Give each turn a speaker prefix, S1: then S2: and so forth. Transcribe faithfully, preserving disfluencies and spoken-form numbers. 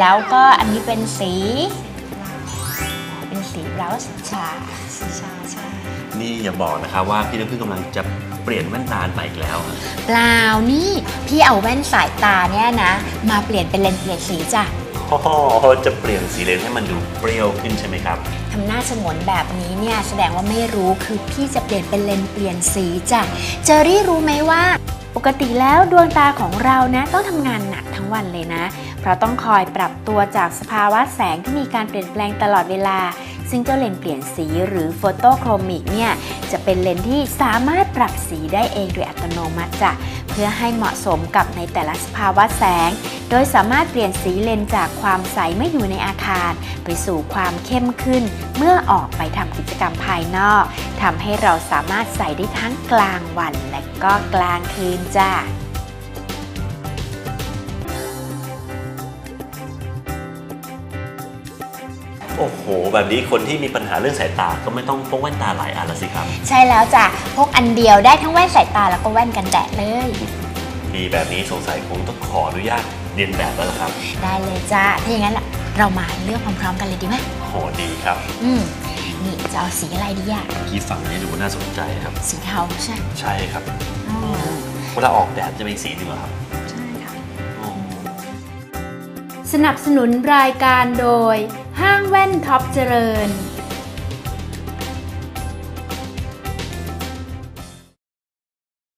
S1: แล้วก็อันนี้เป็นสีเป็นสีบราวน์ชาสีชาใช่
S2: นี่อย่าบอกนะครับว่าพี่น้ำพึ่งกำลังจะเปลี่ยนแว่นตาใหม่อีกแล้ว
S1: เปล่านี่พี่เอาแว่นสายตาเนี่ยนะมาเปลี่ยนเป็นเลนส์เปลี่ยนสีจ้ะ
S2: อ๋อจะเปลี่ยนสีเลนส์ให้มันดูเปรี้ยวขึ้นใช่ไหมครับ
S1: ทำหน้าฉงนแบบนี้เนี่ยแสดงว่าไม่รู้คือพี่จะเปลี่ยนเป็นเลนส์เปลี่ยนสีจ้ะเจอรี่รู้ไหมว่าปกติแล้วดวงตาของเรานะต้องทำงานหนักทั้งวันเลยนะเพราะต้องคอยปรับตัวจากสภาวะแสงที่มีการเปลี่ยนแปลงตลอดเวลาซึ่งเจ้าเลนส์เปลี่ยนสีหรือโฟโตโครมิกเนี่ยจะเป็นเลนส์ที่สามารถปรับสีได้เองโดยอัตโนมัติจ้ะเพื่อให้เหมาะสมกับในแต่ละสภาวะแสงโดยสามารถเปลี่ยนสีเลนส์จากความใสเมื่ออยู่ในอาคารไปสู่ความเข้มขึ้นเมื่อออกไปทำกิจกรรมภายนอกทำให้เราสามารถใส่ได้ทั้งกลางวันและก็กลางคืนจ้ะ
S2: โอ้โหแบบนี้คนที่มีปัญหาเรื่องสายตาก็ไม่ต้องพกแว่นตาหลายอันละสิครับ
S1: ใช่แล้วจ้ะพกอันเดียวได้ทั้งแว่นสายตาแล้วก็แว่นกันแดดเลย
S2: ดีแบบนี้สงสัยคงต้องขออนุญาตเรียนแบบแล้วล่ะครับ
S1: ได้เลยจ้ะถ้าอย่างนั้นเรามาเลือกพร้อมๆกันเลยดีไหม
S2: โหดีครับ
S1: อืมนี่จะเอาสีอะไรดีอ่ะ
S2: ที่ฝั่งนี้ดูน่าสนใจครับ
S1: สีเทาใช่
S2: ใช่ครับเวลาออกแดดจะเป็นสีนึงเหรอครับ
S1: ใช่ค่ะสนับสนุนรายการโดยห้างแว่นท็อปเจริญ